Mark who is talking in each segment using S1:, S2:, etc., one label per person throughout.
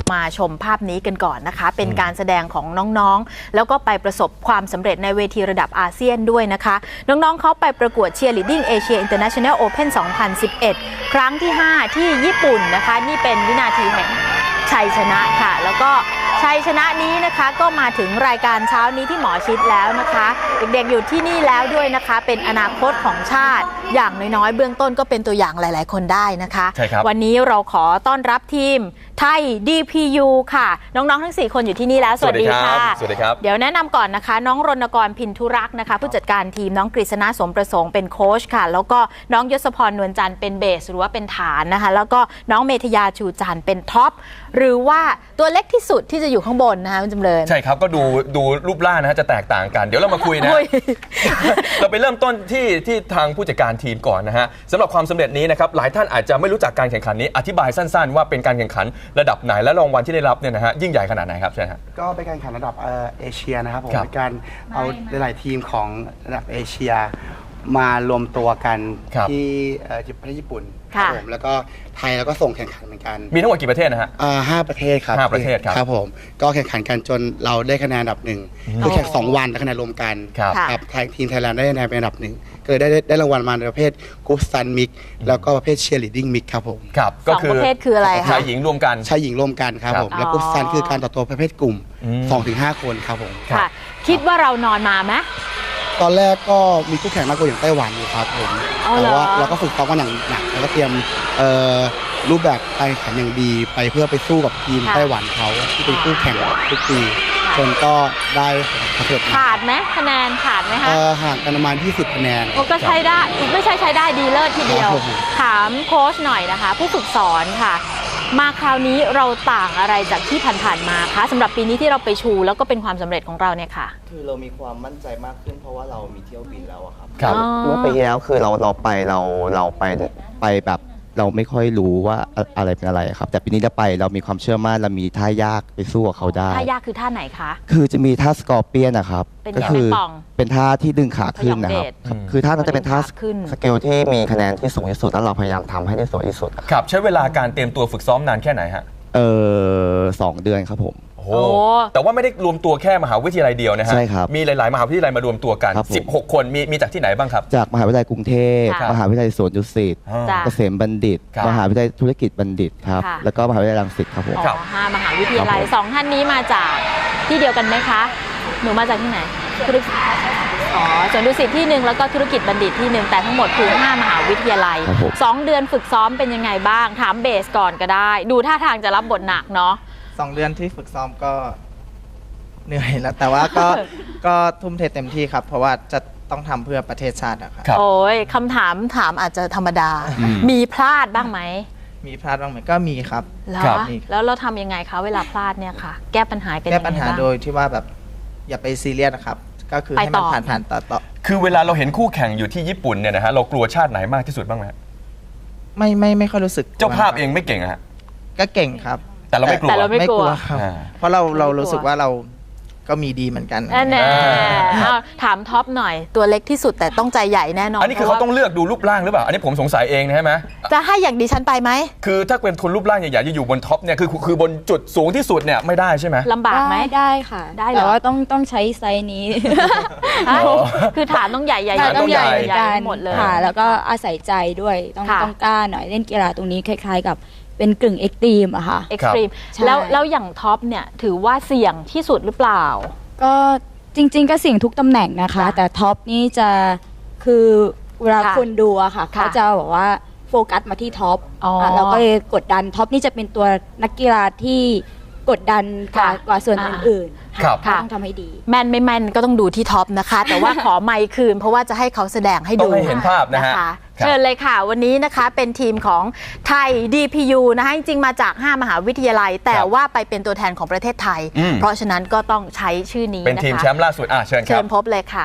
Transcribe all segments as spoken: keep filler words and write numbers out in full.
S1: มาชมภาพนี้กันก่อนนะคะเป็นการแสดงของน้องๆแล้วก็ไปประสบความสำเร็จในเวทีระดับอาเซียนด้วยนะคะน้องๆเขาไปประกวด Cheerleading Asia International Open สองพันสิบเอ็ด ครั้งที่ห้าที่ญี่ปุ่นนะคะนี่เป็นวินาทีแห่งชัยชนะค่ะแล้วก็ชัยชนะนี้นะคะก็มาถึงรายการเช้านี้ที่หมอชิดแล้วนะคะเด็กๆอยู่ที่นี่แล้วด้วยนะคะเป็นอนาคตของชาติอย่างน้อยๆเบื้องต้นก็เป็นตัวอย่างหลายๆคนได้นะคะ
S2: ใช่ครับ
S1: วันนี้เราขอต้อนรับทีมไทย ดี พี ยู ค่ะน้องๆทั้งสี่คนอยู่ที่นี่แล้วสวัสดีค่ะ
S2: สวัสดีครับ
S1: เดี๋ยวแนะนำก่อนนะคะน้องรณกรพินทุรักษ์นะคะผู้จัดการทีมน้องกฤษณะสมประสงค์เป็นโค้ชค่ะแล้วก็น้องยศพรนวลจันทร์เป็นเบสหรือว่าเป็นฐานนะคะแล้วก็น้องเมธยาชูจันทร์เป็นท็อปหรือว่าตัวเล็กที่สุดที่จะอยู่ข้างบนนะคะคุณจำเริญ
S2: ใช่ครับก็ดูดูรูปร่างนะฮะจะแตกต่างกันเดี๋ยวเรามาคุยนะ เราไปเริ่มต้นที่ที่ทางผู้จัดการทีมก่อนนะฮะสำหรับความสำเร็จนี้นะครับหลายท่านอาจจะไม่รู้จักการแข่งขันนี้อธิบายสั้นๆว่าเป็นการแข่งขันระดับไหนและรางวัลที่ได้รับเนี่ยนะฮะยิ่งใหญ่ขนาดไหนครับใช่ฮะ
S3: ก็เป็นการแข่งขันระดับเอเชียนะครับผมเป็นการเอาหลายๆทีมของระดับเอเชียมารวมตัวกันที่ประเทศญี่ปุ่นครับผมแล้วก็ไทยแล้วก็ส่งแข่งขันเหมือนกัน
S2: มีทั้งหมดกี่ประเทศนะฮะ
S3: ห้าประเทศครับ
S2: ห้าประเทศครับ
S3: ครับผมก็แข่งขันกันจนเราได้คะแนนอันดับหนึ่งคือแข่งสองวันคะแนนรวมกันครับไทยทีมไทยแลนด์ได้คะแนนเป็นอันดับหนึ่งก็เลยได้ได้รางวัลมาในประเภทกู๊ดซันมิกแล้วก็ประเภทเชียร์ลีดดิ้งมิกครับผม
S2: ครับ
S1: ก็คือประเภทคืออะไรคะ
S2: ชายหญิงรวมกัน
S3: ชายหญิงรวมกันครับผมแล้วกู๊ดซันคือการต่อตัวประเภทกลุ่ม สองถึงห้า คนครับผม
S1: ค่ะคิดว่าเรานอนมาไหม
S3: ตอนแรกก็มีคู่แข่งมากกว่าอย่างไต้หวันอยู่ครับผมแต่ว่าเราก็ฝึกซ้อมกันอย่างหนักแล้วก็เตรียมรูปแบบการแข่งขันอย่างดีไปเพื่อไปสู้กับทีมไต้หวันเขาที่เป็นคู่แข่งทุกปีจนก็ได้สำเร็จ
S1: ขาดไหมคะแนนขาดไหมคะ
S3: ห่างกันประมาณยี่สิบคะแนน
S1: ก็ใช้ได้ไม่ใช่ใช้ได้ดีเลิศทีเดียวถามโค้ชหน่อยนะคะผู้ฝึกสอนค่ะมาคราวนี้เราต่างอะไรจากที่ผ่านๆมาคะสำหรับปีนี้ที่เราไปชูแล้วก็เป็นความสำเร็จของเราเนี่ยค่ะ
S4: คือเรามีความมั่นใจมากขึ้นเพราะว่าเรามีเที่ยวบินแล้วครับ
S2: ครับ
S4: เมื่อปีที่แล้วคือเราเราไปเราเราไปไปแบบเราไม่ค่อยรู้ว่าอะไรเป็นอะไรครับแต่ปีนี้เราไปเรามีความเชื่อมั่นเรามีท่ายากไปสู้กับเขาได้
S1: ท่ายากคือท่าไหนคะ
S4: คือจะมีท่าสกอร์เปียนนะครับ
S1: ก็คือ
S4: เป็นท่าที่ดึงขาขึ้นนะครับคือท่านั้นจะเป็นท่าสเกลที่มีคะแนนที่สูงที่สุดแล้วเราพยายามทำให้ได้สวยที่สุด
S2: ครับใช้เวลาการเตรียมตัวฝึกซ้อมนานแค่ไหนฮะ
S4: เออสองเดือนครับผม
S2: โอ้แต่ว่าไม่ได้รวมตัวแค่มหาวิทยาลัยเดียวนะฮะ
S4: ใช่ครับ
S2: มีหลายๆมหาวิทยาลัยมารวมตัวกันสิบหกคนมีมีจากที่ไหนบ้างครับ
S4: จากมหาวิทยาลัยกรุงเทพมหาวิทยาลัยสวนดุสิตเกษมบัณฑิตมหาวิทยาลัยธุรกิจบัณฑิตครับแล้วก็มหาวิทยาลัยรังสิตครับผม
S1: ห้ามหาวิทยาลัยสองท่านนี้มาจากที่เดียวกันไหมคะหนูมาจากที่ไหนธุรกิจอ๋อสวนดุสิตที่หนึ่งแล้วก็ธุรกิจบัณฑิตที่หนึ่งแต่ทั้งหมดคือห้ามหาวิทยาลัยสองเดือนฝึกซ้อมเป็นยังไงบ้างถามเบสก่อนก็ได้ดูท่าทางจะรับบทหนักเนาะ
S5: สองเดือนที่ฝึกซ้อมก็เหนื่อยแล้วแต่ว่าก็ก็ทุ่มเทเต็มที่ครับเพราะว่าจะต้องทำเพื่อประเทศชาตินะครับ
S1: โอ้ยคำถามถามอาจจะธรรมดามีพลาดบ้างไหม
S5: มีพลาดบ้างไหมก็มีครับ
S1: แล้วเราทำยังไงคะเวลาพลาดเนี่ยค่ะแก้ปัญหากัน
S5: แก้ปัญหาโดยที่ว่าแบบอย่าไปซีเรียสนะครับก็คือให้มันผ่านผ่านต่อต่อ
S2: คือเวลาเราเห็นคู่แข่งอยู่ที่ญี่ปุ่นเนี่ยนะฮะเรากลัวชาติไหนมากที่สุดบ้างไหม
S5: ไม่ไม่ไม่ค่อยรู้สึก
S2: เจ้าภาพเองไม่เก่งฮะ
S5: ก็เก่งครับ
S2: แต่เราไม่กลัว
S1: แต่เราไม่กลัว
S5: ครับเพราะเราเรารู้สึกว่าเราก็มีดีเหมือนกัน
S1: แน่ถามท็อปหน่อยตัวเล็กที่สุดแต่ต้องใจใหญ่แน่นอน
S2: อันนี้คือเขาต้องเลือกดูรูปร่างหรือเปล่าอันนี้ผมสงสัยเองใช่ไหม
S1: จะให้อย่างดิฉันไปไหม
S2: คือถ้าเป็นคนรูปร่างใหญ่ๆจะอยู่บนท็อปเนี่ยคือคือบนจุดสูงที่สุดเนี่ยไม่ได้ใช่ไหม
S1: ลำบากไหม
S6: ได้ค่ะได้แต่ว่าต้องต้องใช้ไซส์นี้
S1: คือฐานต้องใหญ่ใหญ่
S6: ต้องใหญ่
S1: หมดเลย
S6: ค่ะแล้วก็อาศัยใจด้วยต้องต้องกล้าหน่อยเล่นกีฬาตรงนี้คล้ายๆกับเป็นกึ่งเอ็กซ์ตรีมอะค่ะ
S1: เอ็กซ์ตรีมแล้วแล้วอย่างท็อปเนี่ยถือว่าเสี่ยงที่สุดหรือเปล่า
S6: ก็จริงๆก็เสี่ยงทุกตำแหน่งนะคะแต่ท็อปนี่จะคือเวลาคนดูอะค่ะเขาจะบอกว่าโฟกัสมาที่ท็อปแล้วก็เลยกดดันท็อปนี่จะเป็นตัวนักกีฬาที่กดดันกว่าส่วนอื่นๆต้องทำให้ดี
S1: แม่นไม่แม่นก็ต้องดูที่ท็อปนะคะแต่ว่าขอไมค์คืนเพราะว่าจะให้เขาแสดงให้ดู
S2: ให้เห็นภาพนะฮะ
S1: เชิญเลยค่ะวันนี้นะคะเป็นทีมของไทย ดี พี ยู นะคะจริงๆมาจากห้ามหาวิทยาลัยแต่ว่าไปเป็นตัวแทนของประเทศไทยเพราะฉะนั้นก็ต้องใช้ชื่อนี้
S2: เป็นทีมแชมป์ล่าสุดอ่ะเชิญครับ
S1: เชิญพบเลยค่ะ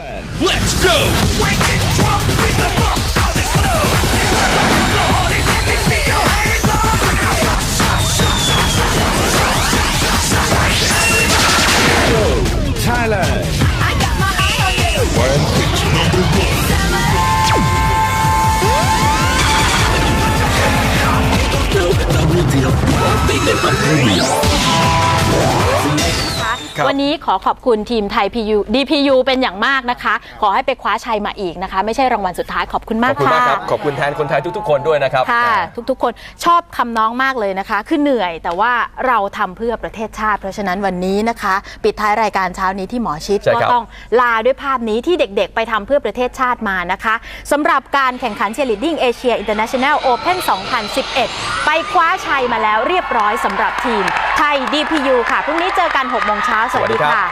S7: Let's go Thailand I got my eye on you One pitch number one Double deal Big and hungry
S2: ครับ
S1: วันนี้ขอขอบคุณทีมไทย พี ยู ดี พี ยู เป็นอย่างมากนะคะ ขอให้ไปคว้าชัยมาอีกนะคะ ไม่ใช่รางวัลสุดท้ายขอบคุณ
S2: ข
S1: มา
S2: อก บคุณ
S1: ค่ะ
S2: มากครับขอบคุณแทนคนไทยทุกๆคนด้วยนะครับ
S1: ค่ะ
S2: อ่า
S1: ทุกๆ คนชอบคำน้องมากเลยนะคะ คือเหนื่อยแต่ว่าเราทำเพื่อประเทศชาติ เพราะฉะนั้นวันนี้นะคะ ปิดท้ายรายการเช้านี้ที่หมอชิด
S2: ใช่
S1: ก็
S2: ครับ
S1: ต้องลาด้วยภาพนี้ที่เด็กๆ ไปทำเพื่อประเทศชาติมานะคะสำหรับการแข่งขัน Cheerleading Asia International Open สองพันสิบเอ็ด ไปคว้าชัยมาแล้วเรียบร้อยสำหรับทีมไทย ดี พี ยู ค่ะพรุ่งนี้เจอกันหกโมงเช้าสวัสดีค่ะ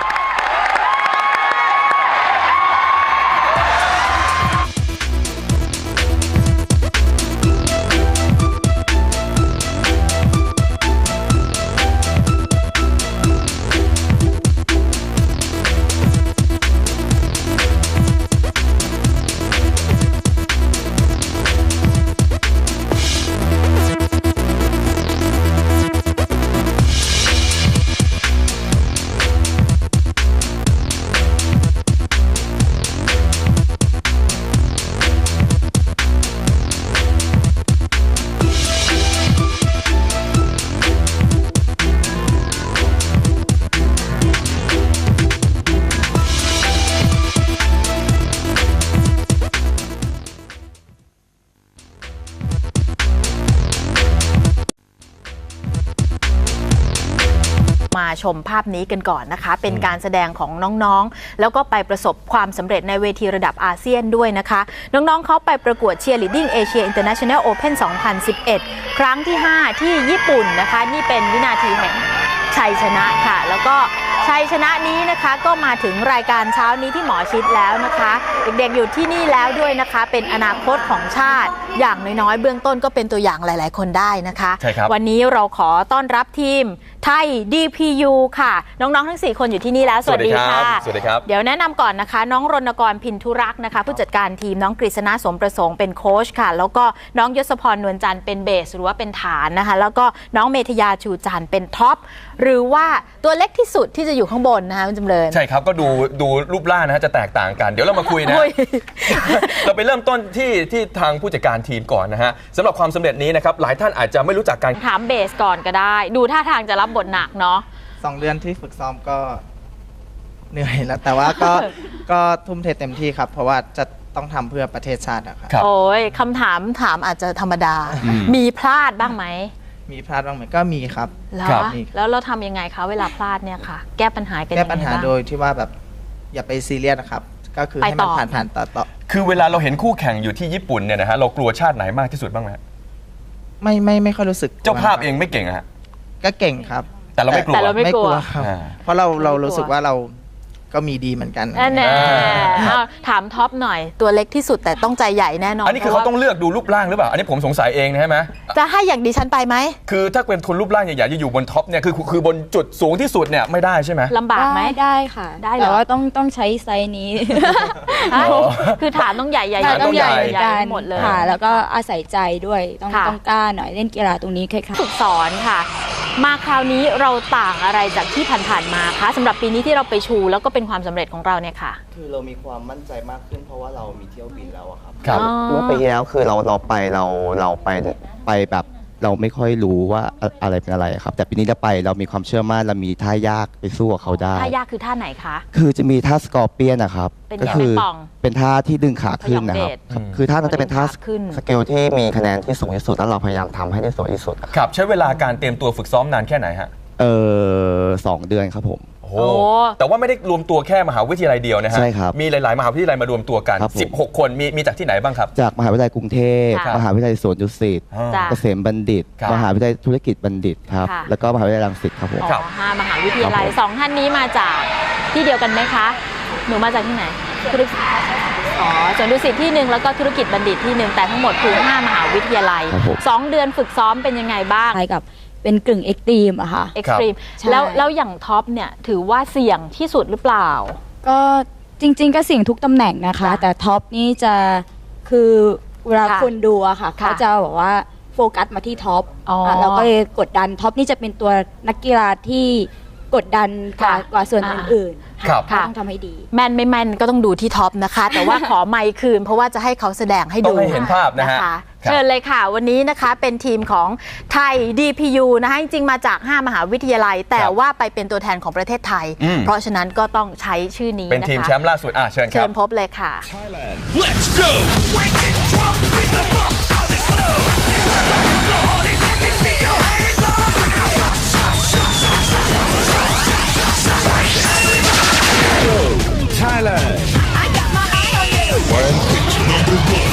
S1: มาชมภาพนี้กันก่อนนะคะ เป็นการแสดงของน้องๆ แล้วก็ไปประสบความสำเร็จในเวทีระดับอาเซียนด้วยนะคะ น้องๆเขาไปประกวด Cheerleading Asia International Open สองพันสิบเอ็ด ครั้งที่ ห้า ที่ญี่ปุ่นนะคะ นี่เป็นวินาทีแห่งชัยชนะค่ะ แล้วก็ชัยชนะนี้นะคะก็มาถึงรายการเช้านี้ที่หมอชิดแล้วนะคะ เด็กๆอยู่ที่นี่แล้วด้วยนะคะ เป็นอนาคตของชาติอย่างน้อยๆเบื้องต้นก็เป็นตัวอย่างหลายๆคนได้นะคะ
S2: ใช่ครับ
S1: วันนี้เราขอต้อนรับทีมไทย ดี พี ยู ค่ะ น้องๆทั้งสี่คนอยู่ที่นี่แล้วสวัสดีค่ะ
S2: สวัสดีครับ
S1: เดี๋ยวแนะนำก่อนนะคะ น้องรณกรพินทุรักษ์นะคะ ผู้จัดการทีมน้องกฤษณะสมประสงค์เป็นโค้ชค่ะ แล้วก็น้องยศพรนวลจันทร์เป็นเบสหรือว่าเป็นฐานนะคะ แล้วก็น้องเมธยาชูจันทร์เป็นท็อปหรือว่าตัวเล็กที่สุดที่จะอยู่ข้างบนนะคะคุณจำเริญ
S2: ใช่ครับก็ดูดูรูปร่างนะฮะจะแตกต่างกัน เดี๋ยวเรามาคุยนะ
S1: คุย
S2: เราไปเริ่มต้นที่ที่ทางผู้จัดการทีมก่อนนะฮะสำหรับความสำเร็จนี้นะครับหลายท่านอาจจะไม่รู้จักกัน
S1: ถามเบสก่อนก็ได้ ดูท่าทางจะรับบทหนักเนาะ
S5: สองเดือนที่ฝึกซ้อมก็เหนื่อยแล้ว แต่ว่าก็ ก็ทุ่มเทเต็มที่ครับ เพราะว่าจะต้องทำเพื่อประเทศชาติอะครับ
S2: ครับ
S1: โอ้ยคำถามถามอาจจะธรรมดา
S2: อืม
S1: มีพลาดบ้างไหม
S5: มีพลาดบ้างไหมก็มีครับ
S1: เหรอ
S2: ครับ
S1: แล้วเราทำยังไงคะเวลาพลาดเนี่ยค่ะ แก้ปัญหากัน
S5: แก้
S1: ยังไง
S5: ปัญหา
S1: บ้าง
S5: โดยที่ว่าแบบอย่าไปซีเรียสนะครับ ก็คือ
S1: ไป
S5: ให้มัน
S1: ต่อ
S5: ผ่านผ่านต่อต่อ
S2: คือเวลาเราเห็นคู่แข่งอยู่ที่ญี่ปุ่นเนี่ยนะฮะเรากลัวชาติไหนมากที่สุดบ้างไหมฮะ
S5: ไม่ไม่ไม่ค่อยรู้สึก
S2: เจ้าภาพเองไม่เก่งอะฮะ
S5: ก็เก่งครับ
S2: แต่เราไม่กลัว
S1: แต่เราไม่
S5: ไม่กลัวครับ
S2: อ่า
S5: เพราะเราเรา
S1: ไม่กลัว
S5: รู้สึกว่าเราก็มีดีเหมือนกัน
S1: แน่
S2: อ่า
S1: ๆเอาถามท็อปหน่อยตัวเล็กที่สุดแต่ต้องใจใหญ่แน่นอน
S2: อันนี้คือเขาต้องเลือกดูรูปร่างหรือเปล่า อันนี้ผมสงสัยเองนะใช่ไหม
S1: จะให้อย่างดิฉันไปไหม
S2: คือถ้าเป็นคนรูปร่างใหญ่ๆจะอยู่บนท็อปเนี่ยคือคือคือบนจุดสูงที่สุดเนี่ยไม่ได้ใช่ไหม
S1: ลำบากไหม
S6: ได้ได้ค่ะ
S1: ได้เหรอ
S6: แต่ว่าต้องต้องใช้ไซส์นี้
S1: ฮะ
S2: อ๋อ
S1: คือฐานต้องใหญ่ใหญ่
S2: ฐานต้องใหญ่
S1: ใหญ่หมดเลย
S6: ค่ะ แล้วก็อาศัยใจด้วยต้อง
S1: ค่ะ
S6: ต้องกล้าหน่อยเล่นกีฬาตรงนี้ค่ะ
S1: ฝึกสอนค่ะ มาคราวนี้เราต่างอะไรจากที่ผ่านๆมาคะสำหรับปีนี้ที่เราไปชูแล้วก็เป็นความสำเร็จของเราเนี่ยค่ะ
S4: คือเรามีความมั่นใจมากขึ้นเพราะว่าเรามีเที่ยวบินแล้วอะครับ
S2: ครับ
S1: อ๋อ
S4: เมื่อปีที่แล้วคือเราเราไปเราเราไปไปแบบเราไม่ค่อยรู้ว่าอะอะไรเป็นอะไรครับ แต่ปีนี้เราไปเรามีความเชื่อมั่นเรามีท่ายากไปสู้กับเขาได้
S1: ท่ายากคือท่าไหนคะ
S4: คือจะมีท่าสกอร์เปียนนะครับ
S1: เป็นไง
S4: ก็คื
S1: เป็นป่อง
S4: เป็นท่าที่ดึงขาขึ้นนะครับ
S1: พยองเดช
S4: ครับคือท่านั้นจะเป็นท่า
S1: ดึงขาขึ้น
S4: สเกลที่มีคะแนนที่สูงที่สุดแล้วเราพยายามทำให้ได้สวยที่สุดอะ
S2: ครับใช้เวลาการเตรียมตัวฝึกซ้อมนานแค่ไหนฮะ
S4: เออสองเดือนครับผม
S2: โอ้โหแต่ว่าไม่ได้รวมตัวแค่มหาวิทยาลัยเดียวนะฮะ
S4: ใช่ครับ
S2: มีหลาย ๆ มหาวิทยาลัยมารวมตัวกัน
S4: ครับผม
S2: สิบหก คนมีมีจากที่ไหนบ้างครับ
S4: จากมหาวิทยาลัยกรุงเทพ
S1: ค่ะ
S4: มหาวิทยาลัยสวนดุสิต
S2: อ่า
S1: จ้ะ
S4: เกษมบัณฑิต
S2: ครับ
S4: มหาวิทยาลัยธุรกิจบัณฑิตครับ
S1: ค่ะ
S4: แล้วก็มหาวิทยาลัยรังสิตครับผม
S2: ครับ
S1: อ๋อห้ามหาวิทยาลัย
S4: ครับผม
S1: สองท่านนี้มาจากที่เดียวกันไหมคะ หนูมาจากที่ไหนธุรกิจอ๋อส่วนดุสิตที่หนึ่งแล้วก็ธุรกิจบัณฑิตที่หนึ่งแต่ทั้งหมดคือห้ามหาวิทยาลัย
S4: ครับผม
S1: สองเดือนฝึกซ้อมเป็นยังไงบ้าง
S6: คล้ายกับเป็นกึ่งเอ็กซ์ตรีมอะค่ะ
S1: เอ็กซ์ตรีม
S6: ใช่
S1: แล้วแล้วอย่างท็อปเนี่ยถือว่าเสี่ยงที่สุดหรือเปล่า
S6: ก็จริง ๆ ก็เสี่ยงทุกตำแหน่งนะคะ
S1: จ้ะ
S6: แต่ท็อปนี่จะคือเวลา
S1: ค่ะ
S6: คนดูอะค่ะ
S1: ค่ะ
S6: เขาจะบอกว่าโฟกัสมาที่ท็อป
S1: อ๋ออ่
S6: ะเราก็เลยกดดันท็อปนี่จะเป็นตัวนักกีฬาที่กดดันกว่า
S1: ค่ะ
S6: กว่าส่วน
S1: อ่า
S6: อื่นๆ
S2: ครับ
S6: ค่ะต้องทำให้ดี
S1: แม่นไม่แม่นก็ต้องดูที่ท็อปนะคะ แต่ว่าขอไมค์คืนเพราะว่าจะให้เขาแสดงให้
S2: ต้
S1: ดู
S2: องให้เห็นภาพนะฮะ
S1: ค
S2: ครับ
S1: เชิญเลยค่ะ วันนี้นะคะเป็นทีมของไทย ดี พี ยู นะคะจริงๆมาจาก ห้า มหาวิทยาลัย แต่ว่าไปเป็นตัวแทนของประเทศไทย
S2: อืม
S1: เพราะฉะนั้นก็ต้องใช้ชื่อนี้
S2: เป็น
S1: นะคะ
S2: ทีมแชมป์ล่าสุดอ่ะเชิญค
S1: เชิ
S2: รับ
S1: ญพบเลยค่ะ
S7: Let's go. Wake it, drop, beat the fuck out of slow. Keep your hands up. Thailand. I got my eye on you. One pitch number one.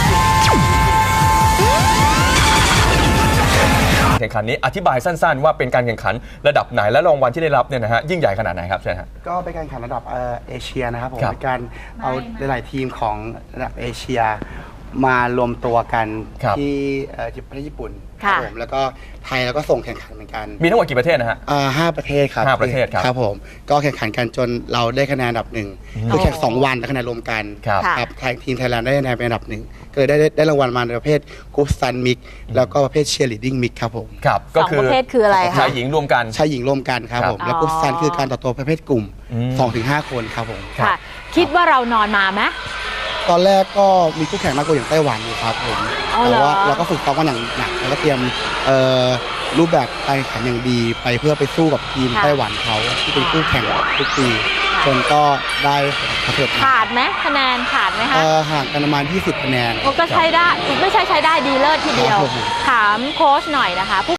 S2: แข่งขันนี้อธิบายสั้นๆ ว่าเป็นการแข่งขันระดับไหนและรางวัลที่ได้รับเนี่ยนะฮะยิ่งใหญ่ขนาดไหนครับเชิญฮะ
S3: ก็เป็นการแข่งขันระดับเอ่อเอเชียนะครับผม
S2: ครับ
S3: เป็นการเอาหลายๆทีมของระดับเอเชียมารวมตัวกัน
S2: ครับ
S3: ที่เอ่อประเทศญี่ปุ่น
S1: ค่ะ
S3: ผมแล้วก็ไทยแล้วก็ส่งแข่งขันเหมือนกัน
S2: มีทั้งหมดกี่ประเทศนะฮะ
S3: อ่าห้าประเทศครับ
S2: ห้าประเทศครับ
S3: ครับผมก็แข่งขันกันจนเราได้คะแนนอันดับหนึ่งคือแข่งสองวันได้คะแนนรวมกัน
S2: ครับ
S1: ค่ะ
S3: ครับไทยทีมไทยแลนด์ได้คะแนนเป็นอันดับหนึ่งก็เลยได้ได้ได้รางวัลมาในประเภทกู๊ดซันมิกแล้วก็ประเภทเชียร์ลีดดิ้งมิกครับผม
S2: ครับ
S1: สองประเภทคืออะไรคะ
S2: ชายหญิงรวมกัน
S3: ชายหญิงร่วมกันครับ
S2: ครับ
S3: ผมแล้ว
S1: อ๋อ
S3: กู๊ดซันคือการต่อตัวประเภทกลุ่ม
S2: อืม
S3: สองถึงห้าคนครับผม
S1: ค่ะ คิดว่าเรานอนมาไหม
S3: ตอนแรกก็มีคู่แข่งมากกว่าอย่างไต้หวันอยู่ครับผม
S1: อ๋อเหร
S3: แต่
S1: อ
S3: ว่าเราก็ฝึกซ้อมกันอย่างหนักแล้วก็เตรียมเอ่อรูปแบบการแข่งขันอย่างดีไปเพื่อไปสู้กับทีม
S1: ค่ะ
S3: ไต้หวันเขาที่เป็นคู่แข่งทุกปีจนก็ได้สำเร็จมา
S1: ขาดไหมคะแนนขาดไหมคะ
S3: เอ่อห่างกันประมาณยี่สิบคะแนน
S1: โอ้ก็ใช้ได้ไม่ใช่ใช้ได้ดีเลิศทีเดียว
S3: ครับผม
S1: ถามโค้ชหน่อยนะคะ